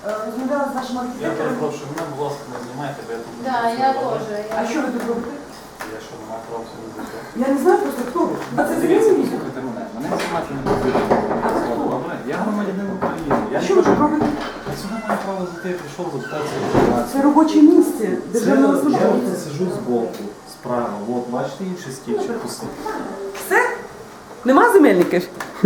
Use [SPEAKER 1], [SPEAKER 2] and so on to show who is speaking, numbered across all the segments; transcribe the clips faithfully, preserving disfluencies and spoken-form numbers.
[SPEAKER 1] розмовляла з вашим
[SPEAKER 2] Я
[SPEAKER 1] архітектором.
[SPEAKER 2] перепрошую, мене, будь ласка, не знімайте, бо я тут...
[SPEAKER 3] Да, я теж.
[SPEAKER 1] А що ви тут робите?
[SPEAKER 2] Я що, не маю права сюди зайти?
[SPEAKER 1] Я не знаю просто, хто ви. А це
[SPEAKER 2] Дивіться,
[SPEAKER 1] зрозуміло?
[SPEAKER 2] послухайте мене. Мене знімати не потрібно.
[SPEAKER 1] А ви хто?
[SPEAKER 2] Добре, я громадянин України. Я
[SPEAKER 1] А
[SPEAKER 2] не
[SPEAKER 1] що ви
[SPEAKER 2] хочу...
[SPEAKER 1] тут робите?
[SPEAKER 2] Я сюди маю право зайти, я прийшов запитатися інформацію.
[SPEAKER 1] Це робоче місце державного
[SPEAKER 2] Це, я
[SPEAKER 1] службовця.
[SPEAKER 2] от сиджу збоку, справа. От, бачите, інший стільчик пустий.
[SPEAKER 1] Все? Нема земельників?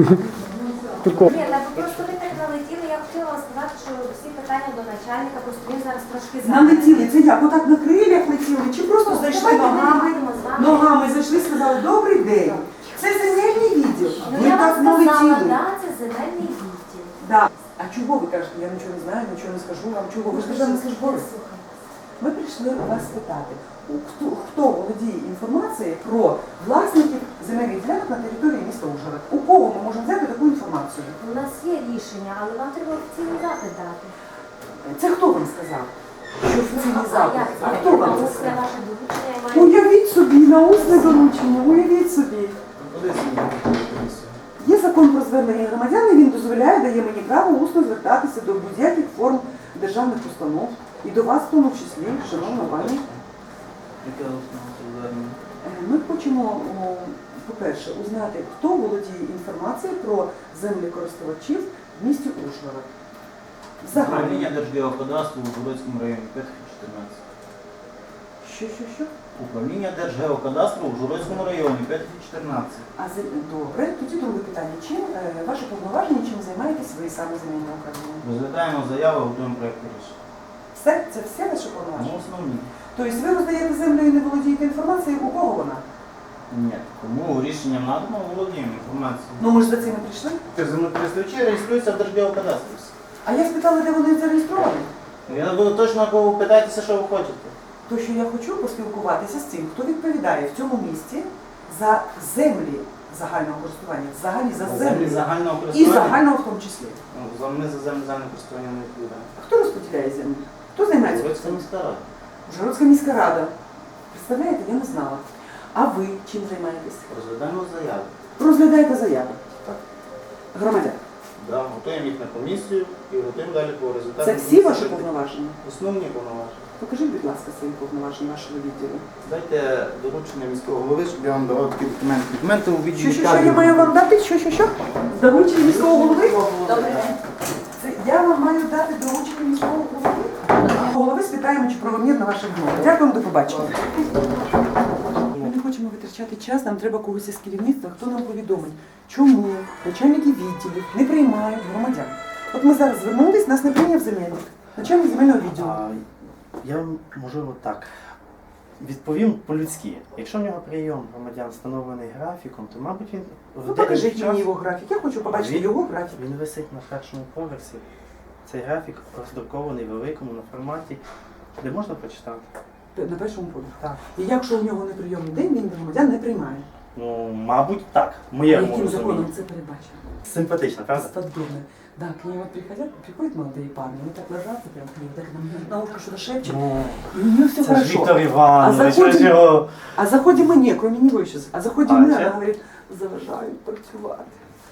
[SPEAKER 4] Ні, так просто ви так налетіли, я хотіла вам сказати, що всі питання до начальника, просто він зараз трошки
[SPEAKER 1] Налетіли. Це як? Отак на крилях летіли? Чи просто зайшли
[SPEAKER 4] Давайте ми
[SPEAKER 1] ногами?
[SPEAKER 4] вийдемо з вами.
[SPEAKER 1] Ногами зайшли, сказали, добрий день. Це земельний відділ.
[SPEAKER 4] Ну
[SPEAKER 1] Ви
[SPEAKER 4] я вам
[SPEAKER 1] так
[SPEAKER 4] сказала,
[SPEAKER 1] налетіли.
[SPEAKER 4] да, це земельний відділ.
[SPEAKER 1] Да. А чого ви кажете? Я нічого не знаю, нічого не скажу вам. Чого? Ви ж державний службовець. Ми прийшли вас спитати, хто, хто володіє інформацією про власників земельних ділянок на території міста Ужгород. У кого ми можемо взяти таку інформацію?
[SPEAKER 4] У нас є рішення, але вам треба офіційний запит дати.
[SPEAKER 1] Це хто вам сказав? Що офіційний
[SPEAKER 4] А
[SPEAKER 1] запит?
[SPEAKER 4] як
[SPEAKER 1] А
[SPEAKER 4] це?
[SPEAKER 1] хто вам це
[SPEAKER 4] Це
[SPEAKER 1] сказав?
[SPEAKER 4] ваше доручення, я маю...
[SPEAKER 1] Уявіть собі, на усне доручення, уявіть собі.
[SPEAKER 2] Куди знімати комісію?
[SPEAKER 1] Є закон про звернення громадян, і він дозволяє, дає мені право усно звертатися до будь-яких форм державних установ. І до вас в тому числі, шановна пані.
[SPEAKER 2] Яке основне звернення?
[SPEAKER 1] Е, Ми хочемо, о, по-перше, узнати, хто володіє інформацією про землекористувачів в місті Ужгород. Взагалі.
[SPEAKER 5] Управління Держгеокадастру у Ужгородському районі п'ять чотирнадцять.
[SPEAKER 1] Що, що, що?
[SPEAKER 5] Управління Держгеокадастру у Ужгородському районі п'ять чотирнадцять.
[SPEAKER 1] А зем- добре, тоді друге питання. Чим е, ваше повноваження, чим займаєтесь ви саме земельне управління?
[SPEAKER 5] Розглядаємо заяви, готуємо проєкт рішення.
[SPEAKER 1] Все? Це все ваше
[SPEAKER 5] Ну,
[SPEAKER 1] повноваження?
[SPEAKER 5] основні.
[SPEAKER 1] Тобто ви роздаєте землю і не володієте інформацією, у кого вона?
[SPEAKER 5] Ні. Тому рішенням надано володіємо інформацією.
[SPEAKER 1] Ну ми ж за цим і прийшли.
[SPEAKER 5] Землекористувачі реєструються в Держгеокадастрі.
[SPEAKER 1] А я спитала, де вони зареєстровані.
[SPEAKER 5] Я буду точно кого питайтеся, що ви хочете.
[SPEAKER 1] То, що я хочу поспілкуватися з тим, хто відповідає в цьому місті за землі загального користування, взагалі за
[SPEAKER 5] Землі
[SPEAKER 1] землі
[SPEAKER 5] загального
[SPEAKER 1] і
[SPEAKER 5] користування.
[SPEAKER 1] загального в тому числі.
[SPEAKER 5] Ну, за- Ми за землі загального користування не відповідаємо.
[SPEAKER 1] А хто розподіляє землю? Хто займається?
[SPEAKER 5] Ужгородська міська рада.
[SPEAKER 1] Ужгородська міська рада. Представляєте, я не знала. А ви чим займаєтесь?
[SPEAKER 5] Розглядаємо заяви.
[SPEAKER 1] Розглядаєте заяви. Громадян.
[SPEAKER 5] Да, готуємо їх на комісію і готуємо далі по результатам.
[SPEAKER 1] Це всі ваші повноваження?
[SPEAKER 5] Основні повноваження.
[SPEAKER 1] Покажіть, будь ласка, свої повноваження вашого відділу.
[SPEAKER 5] Дайте доручення міського голови, щоб я вам давав такі документи. Документи у
[SPEAKER 1] Що,
[SPEAKER 5] відділі
[SPEAKER 1] що, що я маю вам дати? Що, що, що? Доручення міського голови?
[SPEAKER 4] Добрий день.
[SPEAKER 1] Це я вам маю дати доручення міського голови? Голови спитаємо, чи правомірно ваша відмова. Дякуємо, до побачення. Ми не хочемо витрачати час, нам треба когось із керівництва, хто нам повідомить, чому начальники відділів не приймають громадян. От ми зараз звернулись, нас не прийняв земельник, начальник земельного відділу.
[SPEAKER 6] А, я можливо так відповім по-людськи. Якщо в нього прийом громадян встановлений графіком, то, мабуть, він в
[SPEAKER 1] Ну
[SPEAKER 6] деякий
[SPEAKER 1] покажіть
[SPEAKER 6] час-
[SPEAKER 1] мені його графік, я хочу побачити
[SPEAKER 6] Він-
[SPEAKER 1] його графік.
[SPEAKER 6] Він висить на першому поверсі. Цей графік роздрукований великому на форматі, де можна прочитати.
[SPEAKER 1] На першому поверсі.
[SPEAKER 6] Так.
[SPEAKER 1] І якщо у нього неприйомний день, він громадян не приймає.
[SPEAKER 6] Ну, мабуть, так. В
[SPEAKER 1] А
[SPEAKER 6] моєму
[SPEAKER 1] яким законом
[SPEAKER 6] розумінні.
[SPEAKER 1] це передбачено?
[SPEAKER 6] Симпатично, правда?
[SPEAKER 1] Сподобно. Да, к ним вот приходят, приходят молодые парни, они так ложатся прям к ним, так нам на ушко что-то шепчут,
[SPEAKER 6] Ну,
[SPEAKER 1] и у нее все
[SPEAKER 6] це ж Віктор
[SPEAKER 1] хорошо.
[SPEAKER 6] Іванович,
[SPEAKER 1] заходимо-
[SPEAKER 6] ви ж його...
[SPEAKER 1] А заходим мы, не, кроме него сейчас, а заходим
[SPEAKER 6] А,
[SPEAKER 1] мы,
[SPEAKER 6] ще?
[SPEAKER 1] она говорит, заважають працювати.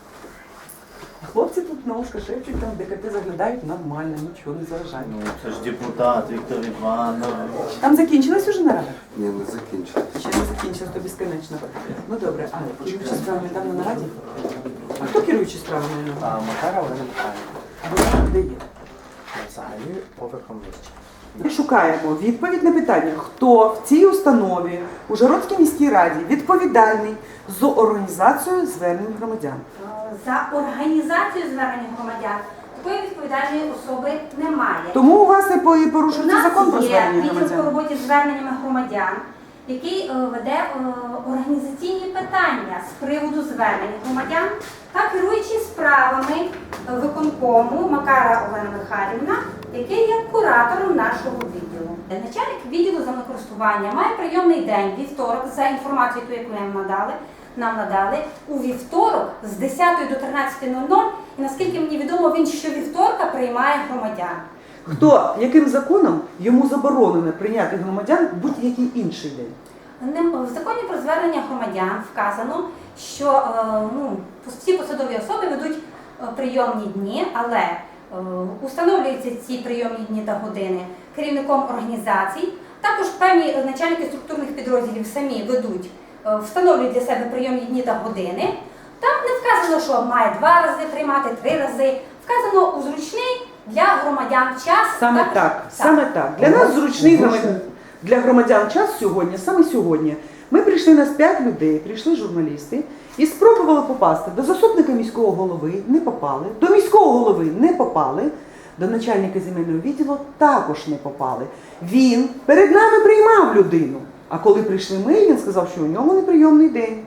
[SPEAKER 1] А хлопці тут на ушко шепчуть, там ДКТ заглядають, нормально, нічого не заважають.
[SPEAKER 6] Ну, це ж депутат Віктор Іванович.
[SPEAKER 1] Там закінчилась уже нарада?
[SPEAKER 7] Ні, не закінчили.
[SPEAKER 1] Ще не закінчилась, то безконечно. Ну добре, а керуючі справами там на нараді? А хто керуючий справами?
[SPEAKER 6] А Макара Олена Михайлівна.
[SPEAKER 1] А вона де є?
[SPEAKER 6] Взагалі поверхом нижче.
[SPEAKER 1] Ми шукаємо відповідь на питання, хто в цій установі Ужгородській міській раді відповідальний за організацію звернень громадян.
[SPEAKER 4] За організацію звернення громадян такої відповідальної особи немає.
[SPEAKER 1] Тому у вас і по- і
[SPEAKER 4] У
[SPEAKER 1] порушується
[SPEAKER 4] нас
[SPEAKER 1] закон про
[SPEAKER 4] є
[SPEAKER 1] звернення
[SPEAKER 4] відділ по
[SPEAKER 1] громадян.
[SPEAKER 4] роботі з зверненнями громадян, який е, веде е, організаційні питання з приводу звернень громадян та керуючи справами е, виконкому Макара Олена Михайлівна, який є куратором нашого відділу. Начальник відділу землекористування має прийомний день, вівторок, за інформацією, яку нам надали, нам надали, у вівторок з десятої до тринадцятої нуль нуль, і наскільки мені відомо, він щовівторка приймає громадян.
[SPEAKER 1] Хто, яким законом йому заборонено прийняти громадян будь-який інший день?
[SPEAKER 4] Нем- В законі про звернення громадян вказано, що е, ну, всі посадові особи ведуть е, прийомні дні, але Установлюються ці прийомні дні та години керівником організацій. Також певні начальники структурних підрозділів самі ведуть, е, встановлюють для себе прийомні дні та години. Там не вказано, що має два рази приймати, три рази. Вказано у зручний для громадян час.
[SPEAKER 1] Саме
[SPEAKER 4] Також-
[SPEAKER 1] так, саме так. Для нас зручний громадян, для громадян час сьогодні, саме сьогодні. Ми прийшли, нас п'ять людей, прийшли журналісти і спробували попасти до заступника міського голови, не попали, до міського голови не попали, до начальника земельного відділу також не попали. Він перед нами приймав людину, а коли прийшли ми, він сказав, що у нього неприйомний день.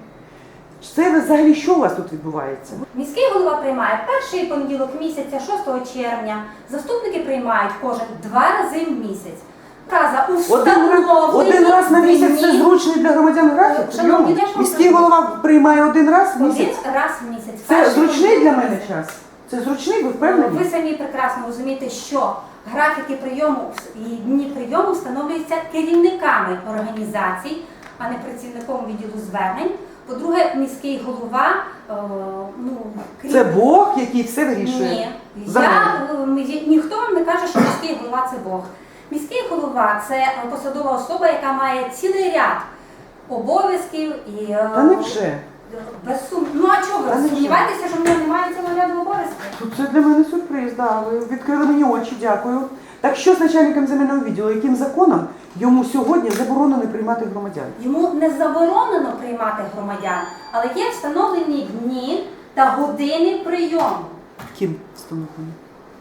[SPEAKER 1] Це взагалі що у вас тут відбувається?
[SPEAKER 4] Міський голова приймає перший понеділок місяця, шостого червня. Заступники приймають кожен два рази в місяць. Фраза
[SPEAKER 1] Один раз,
[SPEAKER 4] установлений
[SPEAKER 1] один раз на місяць це
[SPEAKER 4] дні.
[SPEAKER 1] зручний для громадян графік?
[SPEAKER 4] Шановні,
[SPEAKER 1] Прийому?
[SPEAKER 4] я ж вам
[SPEAKER 1] Міський
[SPEAKER 4] кажу.
[SPEAKER 1] голова приймає один раз в
[SPEAKER 4] Один
[SPEAKER 1] місяць?
[SPEAKER 4] раз в місяць.
[SPEAKER 1] Це
[SPEAKER 4] Перший
[SPEAKER 1] зручний для
[SPEAKER 4] понеділок
[SPEAKER 1] мене
[SPEAKER 4] місяця.
[SPEAKER 1] час? Це зручний, ви впевнені?
[SPEAKER 4] Ви самі прекрасно розумієте, що графіки прийому і дні прийому встановлюються керівниками організацій, а не працівником відділу звернень. По-друге, міський голова, е, ну, крім...
[SPEAKER 1] Це Бог, який все вирішує.
[SPEAKER 4] Ні.
[SPEAKER 1] За
[SPEAKER 4] Я,
[SPEAKER 1] мене.
[SPEAKER 4] е, ні- ніхто вам не каже, що міський голова це Бог. Міський голова це посадова особа, яка має цілий ряд обов'язків і е,
[SPEAKER 1] Та не вже.
[SPEAKER 4] без сум... Ну а чого
[SPEAKER 1] Та
[SPEAKER 4] ви
[SPEAKER 1] не
[SPEAKER 4] сумніваєтеся, що в нього немає цілого ряду обов'язків?
[SPEAKER 1] Тут це для мене сюрприз, да. Ви відкрили мені очі, дякую. Так що з начальником земельного відділу, яким законом йому сьогодні заборонено приймати громадян?
[SPEAKER 4] Йому не заборонено приймати громадян, але є встановлені дні та години прийому.
[SPEAKER 1] Ким встановлено?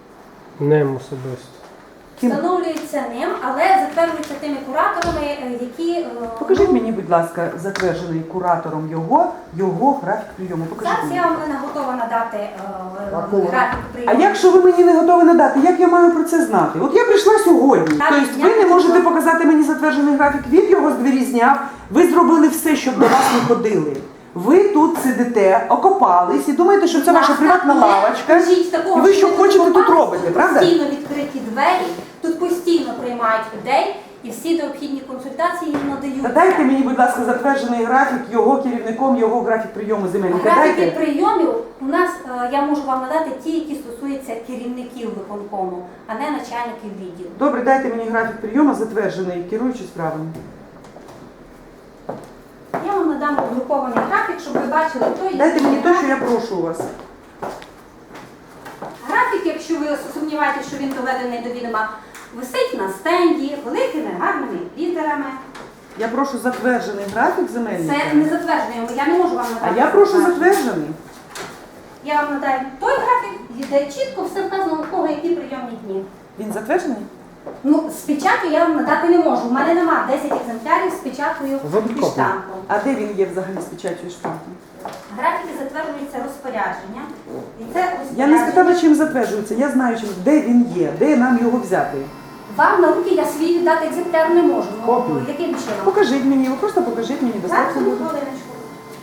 [SPEAKER 3] Ним особисто.
[SPEAKER 1] Ким?
[SPEAKER 4] Встановлюється ним, але затверджуються тими кураторами, е, які... е,
[SPEAKER 1] Покажіть
[SPEAKER 4] ну,
[SPEAKER 1] мені, будь ласка, затверджений куратором його, його графік прийому. Покажіть
[SPEAKER 4] Зараз
[SPEAKER 1] мені.
[SPEAKER 4] я вам не готова надати е, графік
[SPEAKER 1] А
[SPEAKER 4] прийому.
[SPEAKER 1] якщо ви мені не готові надати, як я маю про це знати? От я прийшла сьогодні.
[SPEAKER 4] Так,
[SPEAKER 1] Тобто
[SPEAKER 4] я
[SPEAKER 1] ви не
[SPEAKER 4] не
[SPEAKER 1] можете
[SPEAKER 4] готова.
[SPEAKER 1] показати мені затверджений графік, він його з двері зняв, ви зробили все, щоб до вас не ходили. Ви тут сидите, окопались і думаєте, що це ваша приватна лавочка. І ви що хочете тут робите, правда?
[SPEAKER 4] Постійно відкриті двері, тут постійно приймають людей і всі необхідні консультації їм надаються.
[SPEAKER 1] Та дайте мені, будь ласка, затверджений графік його керівником, його графік прийому земельника.
[SPEAKER 4] Графіки
[SPEAKER 1] Дайте.
[SPEAKER 4] прийомів у нас, е, я можу вам надати ті, які стосуються керівників виконкому, а не начальників відділу.
[SPEAKER 1] Добре, дайте мені графік прийому, затверджений, керуючи справами.
[SPEAKER 4] Я вам надам друкований графік, щоб ви бачили той.
[SPEAKER 1] Дайте мені те, що я прошу у вас.
[SPEAKER 4] Графік, якщо ви сумніваєтеся, що він доведений до відома, висить на стенді великими гарними літерами.
[SPEAKER 1] Я прошу затверджений графік земельника.
[SPEAKER 4] Це не затвердження, я не можу вам
[SPEAKER 1] А
[SPEAKER 4] надати.
[SPEAKER 1] я прошу
[SPEAKER 4] графік.
[SPEAKER 1] затверджений.
[SPEAKER 4] Я вам надаю той графік, де чітко все вказано, у кого які прийомні дні.
[SPEAKER 1] Він затверджений?
[SPEAKER 4] Ну, з печатю я вам надати не можу. У мене нема десять екземплярів з печаткою
[SPEAKER 3] Зробіть
[SPEAKER 4] і
[SPEAKER 3] копію.
[SPEAKER 4] штампом.
[SPEAKER 1] А де він є взагалі з печаттю і штампом?
[SPEAKER 4] Графіки затверджуються розпорядження. І це
[SPEAKER 1] Я не
[SPEAKER 4] розпорядження.
[SPEAKER 1] спитала, чим затверджується. Я знаю, чим, де він є, де нам його взяти.
[SPEAKER 4] Вам на руки я свій віддати екземпляр не можу. Ну,
[SPEAKER 3] Копію.
[SPEAKER 4] яким чином?
[SPEAKER 1] Покажіть мені, ви просто покажіть мені
[SPEAKER 4] Зараз,
[SPEAKER 1] достатньо.
[SPEAKER 4] одну
[SPEAKER 1] буде.
[SPEAKER 4] хвилиночку.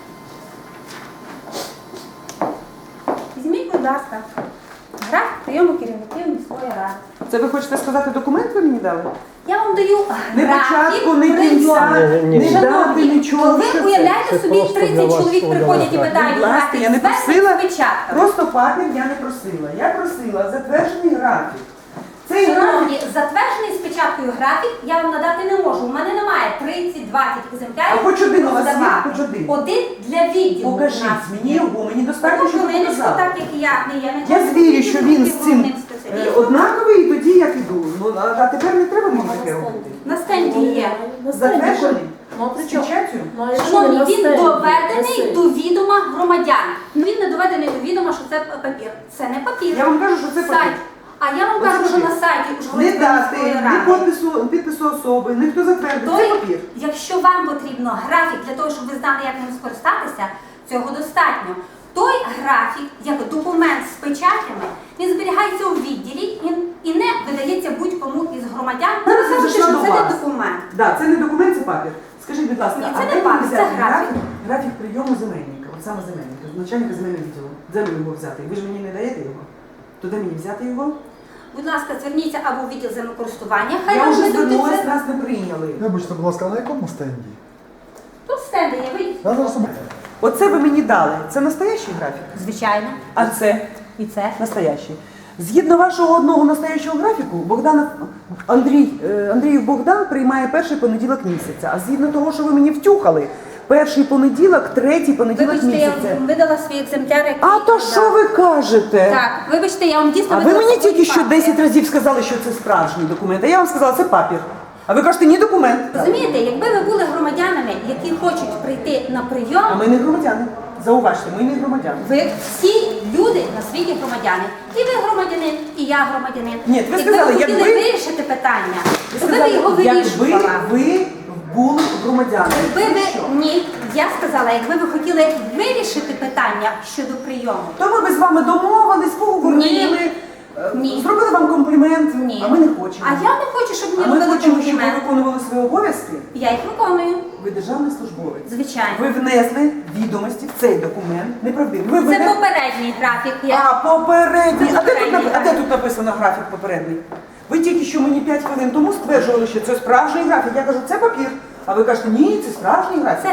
[SPEAKER 4] Візьміть, будь ласка, графік прийому керівників міської ради.
[SPEAKER 1] Це ви хочете сказати, документ ви мені дали?
[SPEAKER 4] Я вам даю
[SPEAKER 1] Не
[SPEAKER 4] графік
[SPEAKER 1] початку, не
[SPEAKER 4] прийому.
[SPEAKER 1] кінця,
[SPEAKER 3] Ні, ні,
[SPEAKER 1] не
[SPEAKER 3] ні.
[SPEAKER 1] дати
[SPEAKER 4] Шановні,
[SPEAKER 1] нічого.
[SPEAKER 4] ви
[SPEAKER 1] Що це?
[SPEAKER 4] уявляєте
[SPEAKER 3] Це
[SPEAKER 4] собі,
[SPEAKER 3] просто для
[SPEAKER 4] тридцять
[SPEAKER 3] вас
[SPEAKER 4] чоловік
[SPEAKER 3] подала
[SPEAKER 4] приходять і
[SPEAKER 3] графік.
[SPEAKER 4] питають
[SPEAKER 1] Будь ласка,
[SPEAKER 4] графік
[SPEAKER 1] я не
[SPEAKER 4] звернень
[SPEAKER 1] просила,
[SPEAKER 4] з печатками.
[SPEAKER 1] просто папір я не просила. Я просила затверджений графік. Цей графік,
[SPEAKER 4] Шановні, затверджений з печаткою графік я вам надати не можу. У мене немає тридцять-двадцять екземплярів.
[SPEAKER 1] А хоч один у вас є?
[SPEAKER 4] роздавати.
[SPEAKER 1] Хоч один?
[SPEAKER 4] Один для відділу. у
[SPEAKER 1] покажіть
[SPEAKER 4] нас
[SPEAKER 1] мені
[SPEAKER 4] є.
[SPEAKER 1] його, мені достатньо, що ви
[SPEAKER 4] Хвилиночку,
[SPEAKER 1] показали.
[SPEAKER 4] так як я не є
[SPEAKER 1] Я звірю, що він з цим
[SPEAKER 4] головним
[SPEAKER 1] е,
[SPEAKER 4] спеціалістом.
[SPEAKER 1] однаковий, і тоді я піду. Ну, а а тепер не треба мені таке робити.
[SPEAKER 4] На стенді є.
[SPEAKER 1] Затверджений?
[SPEAKER 7] Ну, а при
[SPEAKER 1] З
[SPEAKER 7] чому?
[SPEAKER 1] печаттю?
[SPEAKER 7] Ну, а якщо
[SPEAKER 4] Шановні,
[SPEAKER 7] на
[SPEAKER 4] він
[SPEAKER 7] стенді
[SPEAKER 4] доведений
[SPEAKER 7] висить?
[SPEAKER 4] до відома громадян. Ну, Він не доведений до відома, що це папір. Це не папір.
[SPEAKER 1] Я вам кажу, що це
[SPEAKER 4] Сайт.
[SPEAKER 1] папір.
[SPEAKER 4] А я вам
[SPEAKER 1] От
[SPEAKER 4] кажу, що
[SPEAKER 1] слухайте,
[SPEAKER 4] на сайті
[SPEAKER 1] Не
[SPEAKER 4] Ужгородської
[SPEAKER 1] дати,
[SPEAKER 4] міської
[SPEAKER 1] ні
[SPEAKER 4] ради.
[SPEAKER 1] підпису, підпису особи, ніхто затвердив. Це
[SPEAKER 4] Той,
[SPEAKER 1] папір.
[SPEAKER 4] якщо вам потрібно графік для того, щоб ви знали, як ним скористатися, цього достатньо. Той графік, як документ з печатями, він зберігається у відділі і, і не видається будь-кому із громадян. Не
[SPEAKER 1] Зараз я
[SPEAKER 4] розумієте,
[SPEAKER 1] зайшла
[SPEAKER 4] що
[SPEAKER 1] до
[SPEAKER 4] це не
[SPEAKER 1] вас.
[SPEAKER 4] документ.
[SPEAKER 1] Да, це не документ, це папір. Скажіть, будь ласка,
[SPEAKER 4] Ні,
[SPEAKER 1] а
[SPEAKER 4] це не
[SPEAKER 1] де мені
[SPEAKER 4] папір, це
[SPEAKER 1] взяти
[SPEAKER 4] графік.
[SPEAKER 1] графік прийому земельника, от саме земельника, начальника земельного відділу. Де мені його взяти? Ви ж мені не даєте його? То де мені взяти його?
[SPEAKER 4] Будь ласка, зверніться або в відділ землекористування. Хай
[SPEAKER 1] Я
[SPEAKER 4] вам
[SPEAKER 1] вже
[SPEAKER 4] видадуть
[SPEAKER 1] звернулась,
[SPEAKER 4] це.
[SPEAKER 1] нас не прийняли.
[SPEAKER 8] Вибачте, будь ласка, а на якому стенді?
[SPEAKER 4] Тут стенди є, вийдіть.
[SPEAKER 8] Я зараз
[SPEAKER 1] Оце ви мені дали. Це настоящий графік?
[SPEAKER 4] Звичайно.
[SPEAKER 1] А це
[SPEAKER 4] І це.
[SPEAKER 1] настоящий. Згідно вашого одного настоящого графіку, Богдан Андрій, е, Андріїв Богдан приймає перший понеділок місяця. А згідно того, що ви мені втюхали, перший понеділок, третій понеділок
[SPEAKER 4] Вибачте, я
[SPEAKER 1] місяця.
[SPEAKER 4] вам видала свій екземпляр, який...
[SPEAKER 1] А то що ви кажете?
[SPEAKER 4] Так, вибачте, я вам дійсно
[SPEAKER 1] А ви
[SPEAKER 4] видала
[SPEAKER 1] мені
[SPEAKER 4] свої
[SPEAKER 1] тільки що
[SPEAKER 4] факти.
[SPEAKER 1] десять разів сказали, що це справжній документ, а я вам сказала, це папір. А ви кажете, ні документ.
[SPEAKER 4] Розумієте, якби ви були громадянами, які хочуть прийти на прийом,
[SPEAKER 1] А ми не громадяни. Зауважте, ми не громадяни.
[SPEAKER 4] ви всі люди на світі громадяни. І ви громадянин, і я громадянин.
[SPEAKER 1] Ні, ви
[SPEAKER 4] якби
[SPEAKER 1] сказали,
[SPEAKER 4] ви хотіли
[SPEAKER 1] якби-
[SPEAKER 4] вирішити питання,
[SPEAKER 1] Ви
[SPEAKER 4] то ви б
[SPEAKER 1] сказали,
[SPEAKER 4] його
[SPEAKER 1] якби
[SPEAKER 4] вирішували.
[SPEAKER 1] ви були громадянами.
[SPEAKER 4] Якби ви
[SPEAKER 1] Що?
[SPEAKER 4] ні, я сказала, якби ви хотіли вирішити питання щодо прийому.
[SPEAKER 1] То ми б з вами домовились, поговорили, е,
[SPEAKER 4] Ні.
[SPEAKER 1] зробили вам комплімент,
[SPEAKER 4] Ні.
[SPEAKER 1] а ми не хочемо.
[SPEAKER 4] А я не хочу, щоб
[SPEAKER 1] А
[SPEAKER 4] мені
[SPEAKER 1] ми
[SPEAKER 4] робили
[SPEAKER 1] хочемо, щоб ви
[SPEAKER 4] комплімент.
[SPEAKER 1] виконували свої обов'язки.
[SPEAKER 4] Я їх виконую,
[SPEAKER 1] Ви державний службовець.
[SPEAKER 4] звичайно.
[SPEAKER 1] Ви внесли відомості в цей документ неправдиві. Ви
[SPEAKER 4] Це
[SPEAKER 1] введете-
[SPEAKER 4] попередній графік. Я...
[SPEAKER 1] А, попередній.
[SPEAKER 4] Це
[SPEAKER 1] А де тут,
[SPEAKER 4] попередній
[SPEAKER 1] нап- а де
[SPEAKER 4] графік.
[SPEAKER 1] тут написано графік попередній? Ви тільки що мені п'ять хвилин тому стверджували, що це справжній графік. Я кажу, це папір. А ви кажете, ні, це справжній графік.
[SPEAKER 4] Це